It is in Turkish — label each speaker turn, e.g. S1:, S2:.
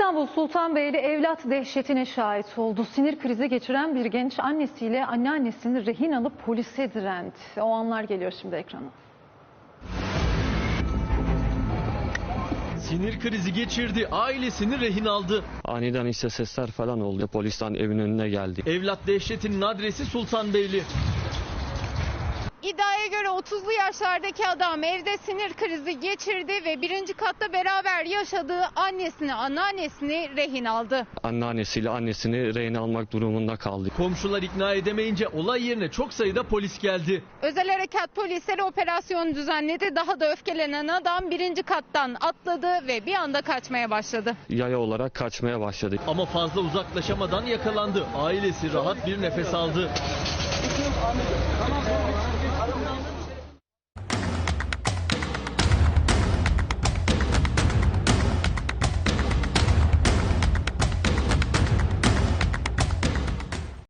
S1: İstanbul Sultanbeyli evlat dehşetine şahit oldu. Sinir krizi geçiren bir genç annesiyle anneannesini rehin alıp polise direndi. O anlar geliyor şimdi ekrana.
S2: Sinir krizi geçirdi, ailesini rehin aldı.
S3: Aniden işte sesler falan oldu. Polisten evin önüne geldi.
S2: Evlat dehşetinin adresi Sultanbeyli.
S4: İddiaya göre 30'lu yaşlardaki adam evde sinir krizi geçirdi ve birinci katta beraber yaşadığı annesini, anneannesini rehin aldı.
S3: Anneannesiyle annesini rehin almak durumunda kaldı.
S2: Komşular ikna edemeyince olay yerine çok sayıda polis geldi.
S4: Özel harekat polisleri operasyonu düzenledi. Daha da öfkelenen adam birinci kattan atladı ve bir anda kaçmaya başladı.
S3: Yaya olarak kaçmaya başladı.
S2: Ama fazla uzaklaşamadan yakalandı. Ailesi rahat bir nefes aldı.